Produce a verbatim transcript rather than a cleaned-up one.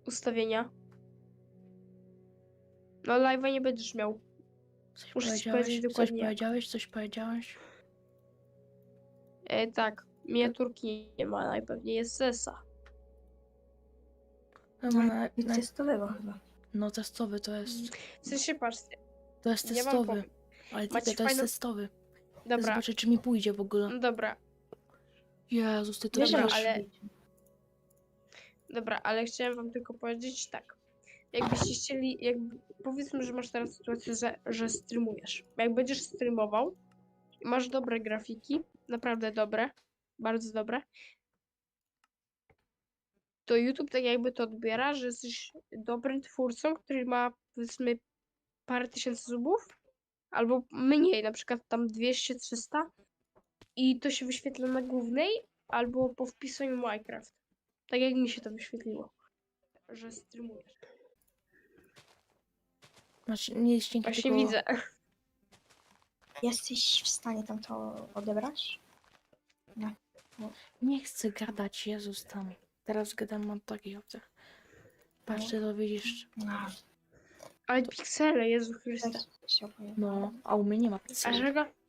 ustawienia. No live'a nie będziesz miał. Coś Muszę ci powiedziałeś? powiedzieć Coś dokładnie jak. powiedziałeś? Coś powiedziałeś? E, tak, miniaturki nie ma, najpewniej jest Sesa. Dobra, No, na, i na, testowego chyba. no testowy to jest. W sensie, patrzcie, To jest ja wam testowy. powiem. Ale Macie typie, to jest fajną- testowy. Dobra, Zobaczę, czy mi pójdzie w ogóle. no dobra, Jezus, ty to Wiesz, że Dobra, wiesz. masz ale- wyjść. dobra, ale chciałem wam tylko powiedzieć tak. Jakbyście chcieli, jakby, powiedzmy, że masz teraz sytuację, że, że streamujesz. Jak będziesz streamował i masz dobre grafiki, naprawdę dobre, bardzo dobre, to YouTube tak jakby to odbiera, że jesteś dobrym twórcą, który ma, powiedzmy, parę tysięcy subów, albo mniej, na przykład tam dwieście trzysta i to się wyświetla na głównej, albo po wpisaniu Minecraft. Tak jak mi się to wyświetliło, że streamujesz. Masz nie jest dzięki Właśnie tylko... widzę. Jesteś w stanie tam to odebrać? Nie chcę gadać, Jezus tam. Teraz gadam o takich opcjach. Patrzcie, to widzisz. No, Ale piksele, Jezu Chryste. też się opowiem. No, a u mnie nie ma A pikseli. czego?